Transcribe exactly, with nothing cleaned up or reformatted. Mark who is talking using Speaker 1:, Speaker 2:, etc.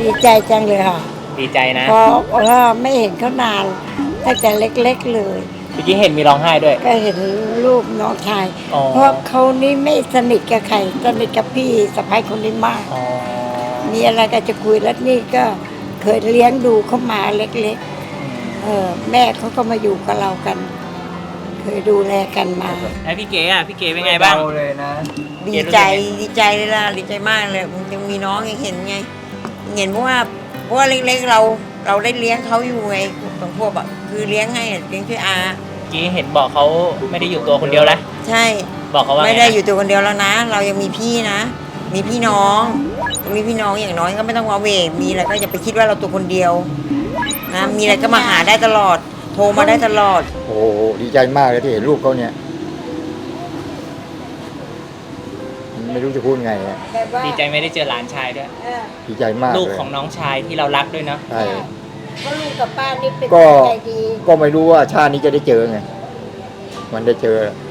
Speaker 1: ดีใจจังเลยค่ะ
Speaker 2: ดีใจนะ
Speaker 1: เพราะว่าไม่เห็นเขานานตั้งแต่เล็กๆเลย
Speaker 2: เมื่อกี้เห็นมีร้องไห้ด้วย
Speaker 1: ก็เห็นรูปน้องชาย
Speaker 2: อ๋อ
Speaker 1: เพราะเขานี่ไม่สนิทกับใครสนิทกับพี่สะพ้ายคนนี้มาก
Speaker 2: อ๋อ
Speaker 1: มีอะไรก็จะคุยแล้วนี่ก็เคยเลี้ยงดูเขามาเล็กๆเออแม่เขาก็มาอยู่กับเรากัน เคยดูแลกันมา
Speaker 2: แล้วพี่เก๋อ่ะพี่เก๋เป็นไงบ้าง
Speaker 3: เเลยนะ
Speaker 4: ดีใจดีใจเลยล่ะดีใจมากเลยมันยังมีน้องยังเห็นไงเห็นเพราะว่าเพราะว่าเล็กๆเราเราได้เลี้ยงเขาอยู่ไงบางพวกแบบคือเลี้ยงให้อะเลี้ยงช่วยอา
Speaker 2: เมื่อกี้เห็นบอกเขาไม่ได้อยู่ตัวคนเดียวแล้ว
Speaker 4: ใช่
Speaker 2: บอกเขาว่า
Speaker 4: ไม่
Speaker 2: ง
Speaker 4: ได้
Speaker 2: นะ
Speaker 4: อยู่ตัวคนเดียวแล้วนะ เรายังมีพี่นะ มีพี่น้องมีพี่น้องอย่างน้อยก็ไม่ต้องวาเวมีอะไรก็อย่าไปคิดว่าเราตัวคนเดียวนะมีอะไรก็มาหาได้ตลอด โทรมาได้ตลอด
Speaker 3: โอ้โหดีใจมากเลยที่เห็นรูปเขาเนี่ยไม่รู้จะพูดไงอะ
Speaker 2: ดีใจไม่ได้เจอหลานชายด้วย
Speaker 3: ดีใจมาก
Speaker 2: ลูก
Speaker 3: เลย
Speaker 2: ของน้องชายที่เรารักด้วยเนาะ
Speaker 3: ใช่
Speaker 1: เพราะลุงกับป้านี่เป็น
Speaker 3: ก็
Speaker 1: คนใจดี
Speaker 3: ก็ไม่รู้ว่าชาตินี้จะได้เจอไงมันได้เจอ